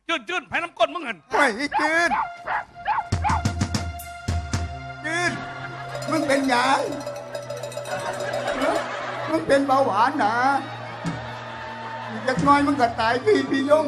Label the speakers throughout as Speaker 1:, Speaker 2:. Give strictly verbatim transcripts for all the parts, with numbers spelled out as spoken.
Speaker 1: จืดจืดไผ่น้ำก้นมึงเห็น
Speaker 2: ไม่จืดจืดมึงเป็นหยังมึงเป็นเบาหวานนะจะน้อยมึงก็ตายพี่พี่ยง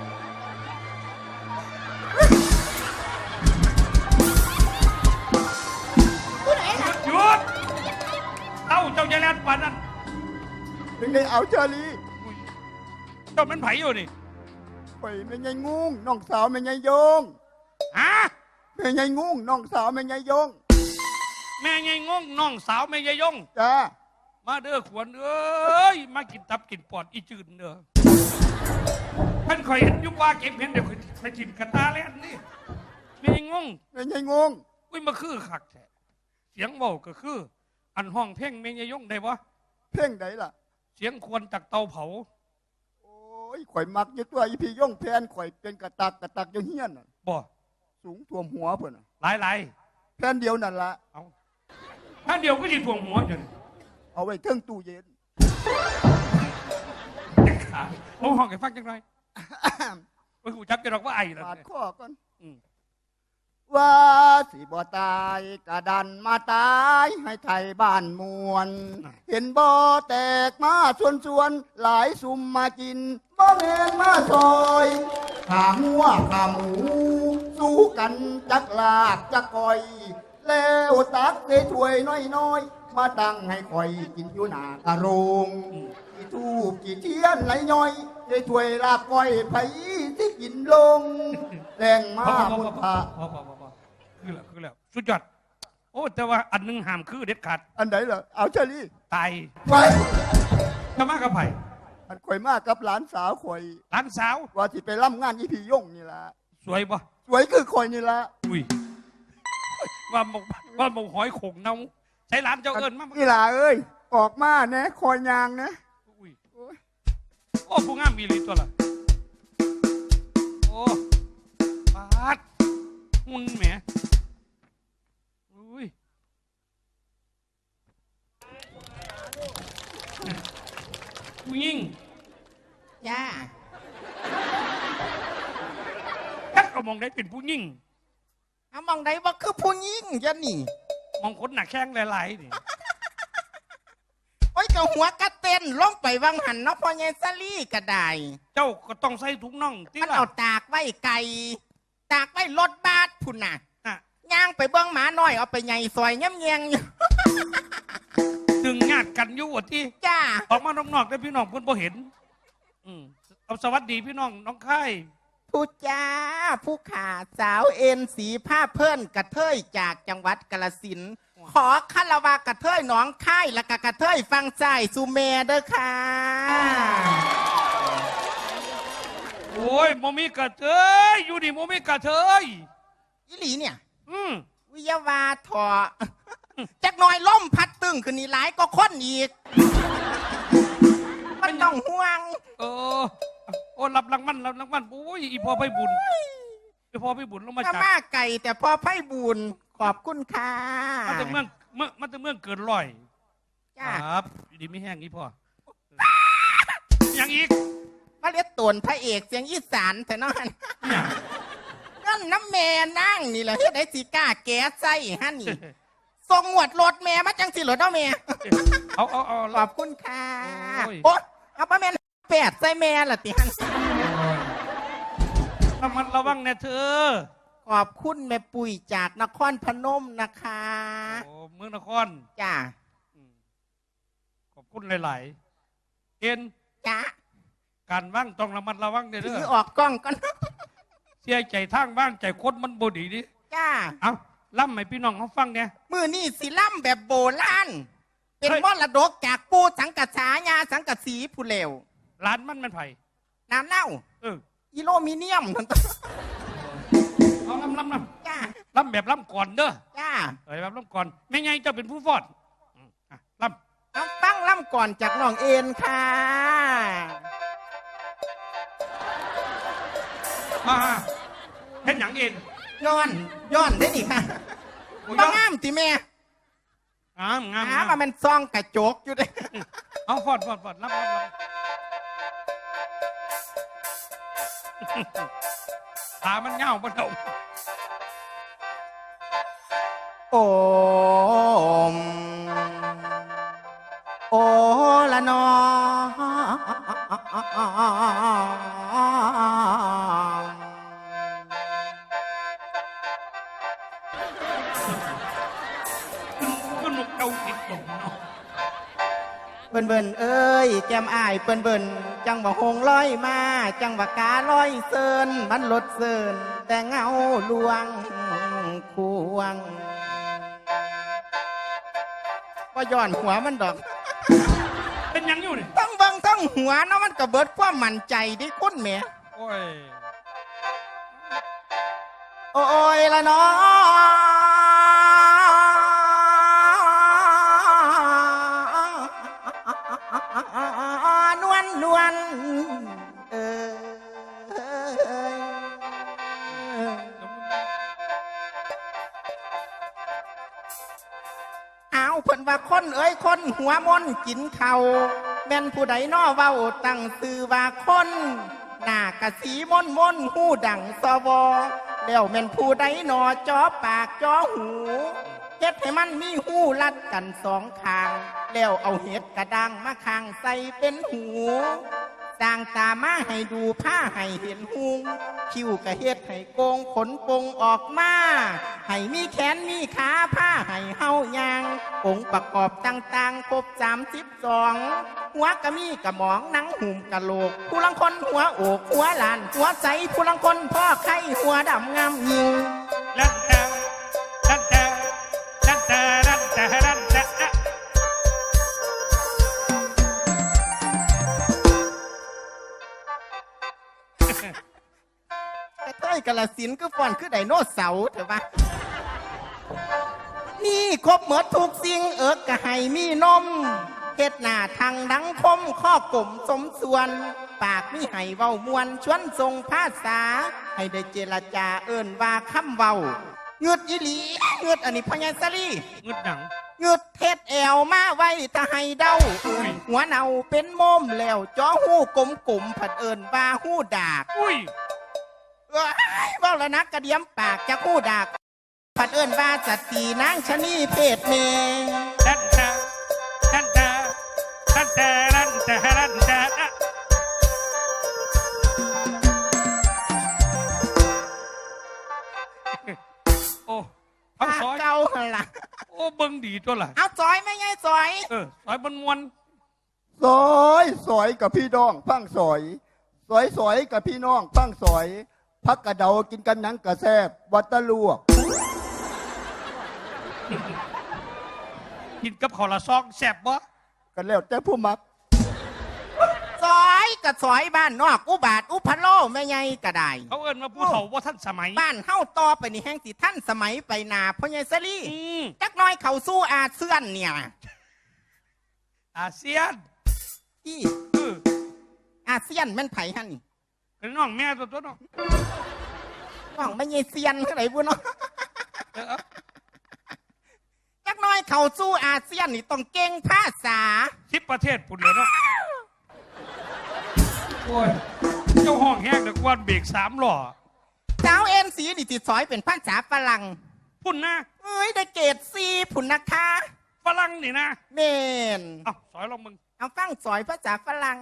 Speaker 1: หยุดเต้าเจ้าจะแลนปันนั่น
Speaker 2: ถึงได้เอาเชอรี่
Speaker 1: เจ้าเป็นไผ่อยู่นี่
Speaker 2: ไปไม่ไงงุ้งน้องสาวไม่ไงยง
Speaker 1: ฮะ
Speaker 2: ไม่ไงงุ้งน้องสาวไม่ไงยง
Speaker 1: แม่ไงงงน้องสาวแม่ยายยง
Speaker 2: จ้า
Speaker 1: มาเด้อขวัญเอ้ยมากินตับกินปอดอีจืดเด้อท่านคอยเห็นยุบว่าเก็บเห็นเดี๋ยวไปกินกระตาแล้วนี่แม่งง
Speaker 2: ไม่ไงงง
Speaker 1: อุ้ยมาคือขักแท้เสียงเบาก็คืออันห้องเพ่งแม่ยายยงได้ปะ
Speaker 2: เพ่งไหนล่ะ
Speaker 1: เสียงควรจากเตาเผา
Speaker 2: โอ้ยข่อยมักยี่ตัวอีพี่ยงแพนข่อยเป็นกระตักกระตักยังเฮี้ยน
Speaker 1: บ่
Speaker 2: สูงท่วมหัวเพื่อน
Speaker 1: หลายหลาย
Speaker 2: แพนเดียวนั่นละ
Speaker 1: เอาแพนเดียวก็จะท่วมหัวจน
Speaker 2: เอาไว้เครื่องตู้เย็น
Speaker 1: โอ้ห้องไอ้ฟังจังไรโอ้ยกูจับจะรอกว่าไอ้ละ
Speaker 2: ปาดข้อก่อนว่าสิบ่ตายกระดันมาตายให้ไทยบ้านมวลเห็นบ่แตกมาส่วนส่วนหลายซุ่มมากินบ่แมนมาซอยขาหัวขาหมูสู้กันจักลากจักก่อยแล้วตักใส่ถ้วยน้อยๆมาตั้งให้คอยกินอยู่หน้ากระโรงกี่ทูบกี่เทียนไหลย่อยใส่ถ้วยลาบก้อยไผที่กินลงแรงมาบุญพระ
Speaker 1: พอพอพอพอคือแล้วคือแล้วสุดยอดโอ้แต่ว่าอันนึงห้ามคือเด็ดขาด
Speaker 2: อันไหนเหรอเอาเชอรี่
Speaker 1: ตาย
Speaker 2: ไป
Speaker 1: จะมากับไผ่
Speaker 2: อันข่อยมากกับหลานสาวข่อย
Speaker 1: หลานสาว
Speaker 2: ว่าที่ไปร่ำงานอีพี่ยงนี่ละ
Speaker 1: สวยปะ
Speaker 2: สวยคือข่อยนี่ละ
Speaker 1: อุ้ยว่าหมกว่าหมกหอยโขงเนาใช้ร้านเจ้าเอิญมาก
Speaker 2: นี่ล่ะเอ้ยออกมาเนะคอยยางนะ
Speaker 1: อุ้ยโอ้ผู้งามมีลีตัวละโอ้ปาดหุ่นแหมอุ้ยผู้หญิง
Speaker 3: ย่า
Speaker 1: ถ้าก็มองได้เป็นผู้หญิง
Speaker 3: เอามองได้ว่าคือผู้หญิงยันนี่
Speaker 1: มองคนหนักแข้งหลายๆนี่
Speaker 3: โอ้ยกับหัวกระเต้นล่องไปวังหันเนาะพอเยซาลี่กระได
Speaker 1: เจ้าก็ต้องใส่ถุงน่อง
Speaker 3: ที่มันเอาตากไว้ไก่ตากไว้รถบาสพุ่นน่ะย่างไปเบื้องหมาหน่อยเอาไปใหญ่ซอยย่ำแยง
Speaker 1: ดึงญาติกันอยู่ที่
Speaker 3: จ้า
Speaker 1: ออกมานอกๆได้พี่น้องเพื่อนพอเห็นอืมเอาสวัสดีพี่น้องน้องไข่
Speaker 3: ผู้จ้าผู้ขาสาวเอ็นสีผ้าเพื่อนกระเทยจากจังหวัดกาฬสินธุ์ขอคารวะกระเทยหนองค่ายและกระเทยฟังใจซูเมเด้อค่ะ
Speaker 1: โอ้ยโมมีกระเทยอยู่ดิโมมีกระเทย
Speaker 3: อีหลีเนี่ย
Speaker 1: อืม
Speaker 3: วิยาวาถอจักหน่อยล่มพัดตึงขึ้นนี่หลายก็ค้นอีกมันต้องห่วง
Speaker 1: เออโอ้รับรางวัลรับรางวัลโอ้ยอีพ่อไพ่บุญอีพ่อไพ่บุญลงมาจาก
Speaker 3: มาไก่แต่พ่อไพ่บุญขอบคุณค่ะ
Speaker 1: มาแต่เมืองเมื่อมาแต่เมืองเกินร้อยครับดีไม่แห้งอีพ่ออย่างอีก
Speaker 3: มาเรียกตนพระเอกเสียงอีสานแต่นอนนั่นน้ำแม่นั่งนี่แหละเฮ็ดไอ้สีก้าแก้ใส่ฮะนี่ส่งหวดรถแม่มาจังสิรถเอาแม่
Speaker 1: เอาเอาเอา
Speaker 3: ขอบคุณค่ะโอ๊ยเอาป้าแม่แปดใส่แม่ละติฮัน
Speaker 1: ระมัดระวังนะเธอ
Speaker 3: ขอบคุณแม่ปุ๋ยจากนครพนมนะคะ
Speaker 1: โอ้เมืองนคร
Speaker 3: จ้า
Speaker 1: ขอบคุณหลายๆเอ็น
Speaker 3: จ้า
Speaker 1: การว่างต้องระมัดระวังเด้อ
Speaker 3: ถือออกกล้องก่อน
Speaker 1: เสียใจทางว่างใจโคตรมันบดีดิ
Speaker 3: จ้า
Speaker 1: เอาล่ำให้พี่น้องเขาฟังเนี่ย
Speaker 3: มือนี่สิล่ำแบบโบราณเป็นมรดกจากปูสังกัดฉายาสังกัดสีผู้เลว
Speaker 1: ร้านมันมันไผ่
Speaker 3: น้ำเน่า
Speaker 1: เออ
Speaker 3: อิโลมิเนียม
Speaker 1: เอาล่ำล่ำล่
Speaker 3: ำจ้า
Speaker 1: ล่ำแบบล่ำก่อนเด้อ
Speaker 3: จ้า
Speaker 1: เอ้ยแบบล่ำก่อนไม่ไงเจ้าเป็นผู้ฟอดล่
Speaker 3: ำเอาฟังล่ำก่อนจากน้องเอ็นค่ะ
Speaker 1: มาเห็นอย่างเอ็น
Speaker 3: ย้อนย้อนได้ดิค่ะบ้างามติแม่
Speaker 1: งามงาม
Speaker 3: งามมันซองกระจกอยู่เลย
Speaker 1: เอาฟอดฟอดฟอดรับรับรับขามันเงาบ่เท่า
Speaker 3: โอมโอละนอ
Speaker 1: ก็นกเกาติดตมเนาะ
Speaker 3: เบิ่นเบิ่นเอ้ยแก้มอายเบิ่นเบิ่นจังว่าหงลอยมาจังว่ากาลอยเซินมันลดเซินแต่เงาลวงควงว่าย้อนหัวมันดอก
Speaker 1: เป็นหยังอยู่นี่
Speaker 3: ต้องเบิ่งต้องหัวเนาะมันก็เบิดความมั่นใจดิคุณแหม่
Speaker 1: โอ้ย
Speaker 3: โอ้ยละเนาะนวลนวลเออเอาเพิ่นว่าคนเอ้ยคนหัวมนกินเขาแม่นผู้ใดน้อเว้าตั้งซื่อว่าคนหน้ากะสีมนมนหูดังสวอแล้วแม่นผู้ใดหนอจอปากจอหูเฮ็ดให้มันมีหูลัดกันสองข้างแล้วเอาเห็ดกระดังมาข้างใส่เป็นหูสร้างตามาให้ดูผ้าให้เห็นหุงคิ้วกะเฮ็ดให้โกงขนปงออกมาให้มีแขนมีขาผ้าให้เฮายางองค์ประกอบต่างๆครบสามสิบสองหัวกะมีกะหมองหนังหุ่มกะโหลกผู้ลังคนหัวโอกหัวหลานหัวใสผู้ลังคนพ่อไข่หัวดำงามยิง
Speaker 1: ลันแต่ลันแต่ลันแต่ลันแต่ลันแต่
Speaker 3: กระเทยกาลสินธุ์คือฟอนคือไดโนเสาร์เถอะวะนี่ครบหมดทุกสิ่งเอิกกะให้มีนมเฮ็ดหน้าทางดังคมข้อกลมสมส่วน ปากมีให้เว้ามวนชวนทรงภาษา ให้ได้เจรจาเอิ้นว่าคำเว้าเงืดอีหลีเงืดอันนี้พญาสลี
Speaker 1: งึดหนัง
Speaker 3: เงืดเทศแอวมาไว้ถ้าให้เดา
Speaker 1: อุ้ย
Speaker 3: หัวเนาเป็นโมมแล้วจ้อหูกลมกลมผัดเอิ้นว่าหูดาก
Speaker 1: อุ้ย
Speaker 3: เอ้ยเว่าแล้วนักกระเดียมปากจะคู่ดักผัดเอิ้นว่าจัดตีนางชะนีเพศเม
Speaker 1: ลันแต่ลันแต่ลันแต่ลันแต่ลันแต่โอ้เอาซอย
Speaker 3: เก่าหั่นล่ะ
Speaker 1: โอ้เบิ่งดีตัวล่ะ
Speaker 3: เอาซอยไม่ไงซอย
Speaker 1: เออซอยมันมวน
Speaker 2: สอยสอยกับพี่น้องฟังสอยสอยสอยกับพี่น้องฟังสอยพักกระเดากินกันหนังกระแซบวัตตะลวก
Speaker 1: กินกับข้าวละซองแซ่บบ่
Speaker 2: กันแล้วแต่ผู้มัก
Speaker 3: ซอยกับซอยบ้านนอกอุบาทอุพะโลไม่ไงก็ได้
Speaker 1: เขาเอิ้นว่าผู้เฒ่าว่าท่านสมัย
Speaker 3: บ้านเฮาต่อไปนี่แห่งสิท่านสมัยไปนาพ่อใหญ่สลี
Speaker 1: อืม
Speaker 3: จักหน้อยเขาสู้อาเซียนเนี่ย
Speaker 1: อาเซียน
Speaker 3: ที่
Speaker 1: เออ
Speaker 3: อาเซียนแม่นไผหั่นนี่
Speaker 1: เป็นน้องแม่ตัวตัวเนาะ
Speaker 3: น้องไม่ใช่เซียนเท่าไหร่บุญเนาะ
Speaker 1: เออเอา
Speaker 3: จักหน้อยเขาสู้อาเซียนนี่ต้องเก่งภาษา
Speaker 1: สิบประเทศปุ่นเลยเนาะโอ้ยเจ้าห้องแห้งเด็กวันเบรกสามหล่อ
Speaker 3: สาวเอ็นสีนี่ติดสอยเป็นภาษาฝรั่ง
Speaker 1: พุ่นนะ
Speaker 3: เอ้ยได้เกรดซีผุนนะคะ
Speaker 1: ฝรั่งนี่นะ
Speaker 3: เมน
Speaker 1: เอ้าสอยลองมึง
Speaker 3: เอาฟังสอยภาษาฝรั่ง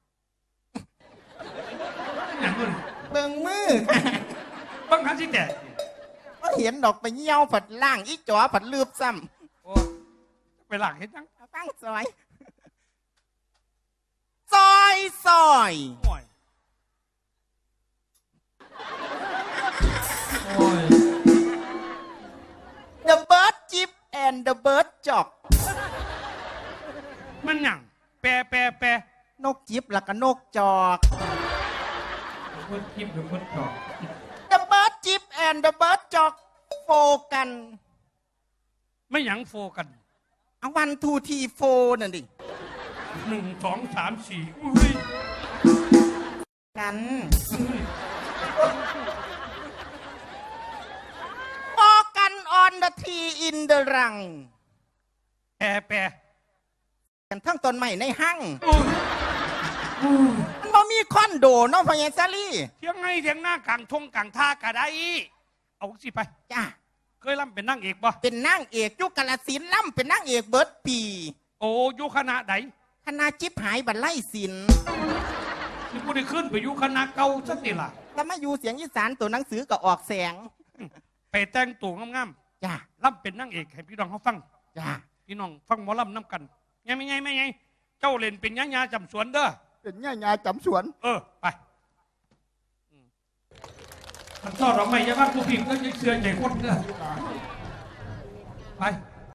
Speaker 1: อย่างนู้น
Speaker 3: เบิ่งมือ
Speaker 1: บังคับสิแต่
Speaker 3: ก็เห็นดอกไปเยี่ยวผัดล่างอีจ๋อผัดลืบซ้
Speaker 1: โอ้ไปหลักเห็นยัง
Speaker 3: ำเอาฟังสอยซอยซอย
Speaker 1: โอ้ยโอ้ย
Speaker 3: The bird chip and the bird jock
Speaker 1: มันหยังแปรแปรแปร
Speaker 3: นกจิบแล้วก็นกจอก
Speaker 1: เพิ่นคิดหรือเพิ่นตอบ
Speaker 3: The bird chip and the bird jock โฟกัน
Speaker 1: ไม่หยังโฟกัน
Speaker 3: เอาวันทูทีโฟนั่นดิ
Speaker 1: หนึ่งสองสามสี่อุ้ย
Speaker 3: กันโฟกัน on the tree in the rung
Speaker 1: แปรแปร
Speaker 3: กันทั้งต้นไม้ในห้าง
Speaker 1: อุ้ย
Speaker 3: มันบ่มีคอนโดเนาะพญาซาลี
Speaker 1: เที่ยงไงเที่ยงหน้ากลางทงกลางท่ากะได้เอาสิไป
Speaker 3: จ้า
Speaker 1: เคยล่ำเป็นนางเอกบ่
Speaker 3: เป็นนางเอกยุคกาลสินธุ์ล่ำเป็นนางเอกเบิร์ดปี
Speaker 1: โอ้อยู่คณะใด
Speaker 3: คณะจิบหายบันไล่สิน
Speaker 1: ที่กูได้ขึ้นไปอยู่คณะเก่าสักทีล่ะ
Speaker 3: แล้วมาอยู่เสียงอีสานตัวหนังสือก็ออกแสง
Speaker 1: ไปแต่งตัวงาม
Speaker 3: จ้า
Speaker 1: ๆล่ำเป็นนางเอกให้พี่น้องเขาฟัง
Speaker 3: จ้า
Speaker 1: พี่น้องฟังหมอลำน้ำกันไงไม่ไงไม่ไงเจ้าเล่นเป็นยะยาจำสวนเด้อ
Speaker 2: เป็นง่ายงาจำสวน
Speaker 1: เออไปขันทอดเราไม่ยะบ้างผู้พิมพ์ก็ยังเชื่อใจคนเด้อไป